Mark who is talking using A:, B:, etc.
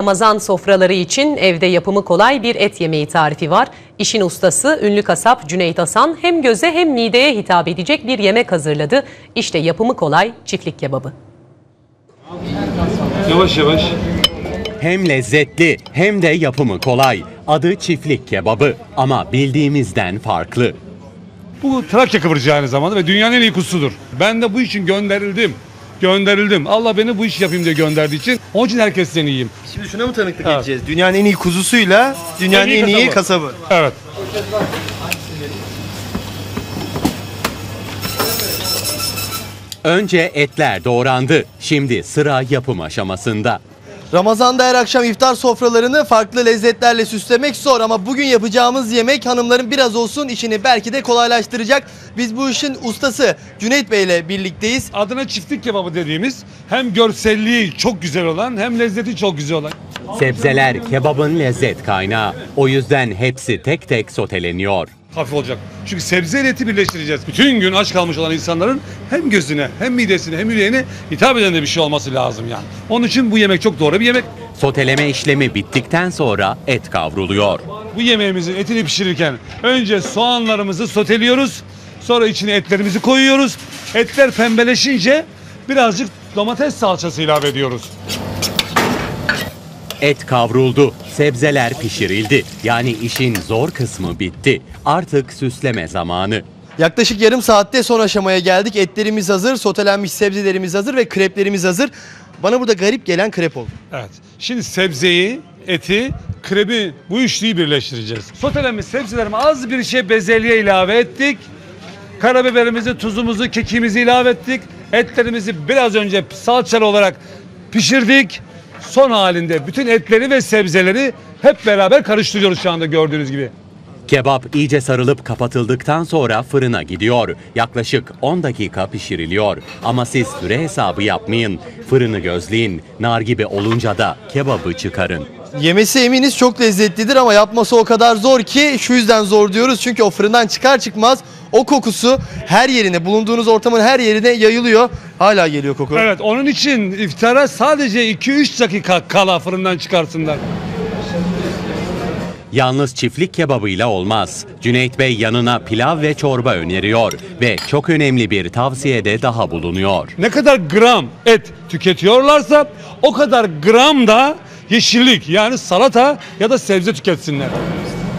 A: Ramazan sofraları için evde yapımı kolay bir et yemeği tarifi var. İşin ustası ünlü kasap Cüneyt Hasan hem göze hem mideye hitap edecek bir yemek hazırladı. İşte yapımı kolay çiftlik kebabı.
B: Yavaş yavaş.
C: Hem lezzetli hem de yapımı kolay. Adı çiftlik kebabı ama bildiğimizden farklı.
B: Bu Trakya kıvırcığı aynı zamanda ve dünyanın en iyi kuzusudur. Ben de bu için gönderildim. Allah beni bu işi yapayım diye gönderdiği için. Onun için herkesten iyiyim.
D: Şimdi şuna mı tanıklık edeceğiz? Dünyanın en iyi kuzusuyla dünyanın en iyi kasabı.
B: Evet.
C: Önce etler doğrandı. Şimdi sıra yapım aşamasında.
D: Ramazan'da her akşam iftar sofralarını farklı lezzetlerle süslemek zor ama bugün yapacağımız yemek hanımların biraz olsun işini belki de kolaylaştıracak. Biz bu işin ustası Cüneyt Bey ile birlikteyiz.
B: Adına çiftlik kebabı dediğimiz hem görselliği çok güzel olan hem lezzeti çok güzel olan.
C: Sebzeler kebabın lezzet kaynağı. O yüzden hepsi tek tek soteleniyor.
B: Hafif olacak. Çünkü sebze ile eti birleştireceğiz. Bütün gün aç kalmış olan insanların hem gözüne hem midesine hem yüreğine hitap eden de bir şey olması lazım yani. Onun için bu yemek çok doğru bir yemek.
C: Soteleme işlemi bittikten sonra et kavruluyor.
B: Bu yemeğimizin etini pişirirken önce soğanlarımızı soteliyoruz. Sonra içine etlerimizi koyuyoruz. Etler pembeleşince birazcık domates salçası ilave ediyoruz.
C: Et kavruldu, sebzeler pişirildi. Yani işin zor kısmı bitti. Artık süsleme zamanı.
D: Yaklaşık yarım saatte son aşamaya geldik. Etlerimiz hazır, sotelenmiş sebzelerimiz hazır ve kreplerimiz hazır. Bana burada garip gelen krep oldu.
B: Evet. Şimdi sebzeyi, eti, krebi bu üçlüyü birleştireceğiz. Sotelenmiş sebzelerime az bir şey bezelye ilave ettik. Karabiberimizi, tuzumuzu, kekimizi ilave ettik. Etlerimizi biraz önce salçalı olarak pişirdik. Son halinde bütün etleri ve sebzeleri hep beraber karıştırıyoruz şu anda gördüğünüz gibi.
C: Kebap iyice sarılıp kapatıldıktan sonra fırına gidiyor. Yaklaşık 10 dakika pişiriliyor. Ama siz süre hesabı yapmayın. Fırını gözleyin. Nar gibi olunca da kebabı çıkarın.
D: Yemesi eminiz çok lezzetlidir ama yapması o kadar zor ki şu yüzden zor diyoruz. Çünkü o fırından çıkar çıkmaz o kokusu her yerine, bulunduğunuz ortamın her yerine yayılıyor. Hala geliyor koku.
B: Evet, onun için iftara sadece 2-3 dakika kala fırından çıkarsınlar.
C: Yalnız çiftlik kebabıyla olmaz. Cüneyt Bey yanına pilav ve çorba öneriyor ve çok önemli bir tavsiyede daha bulunuyor.
B: Ne kadar gram et tüketiyorlarsa o kadar gram da yeşillik yani salata ya da sebze tüketsinler.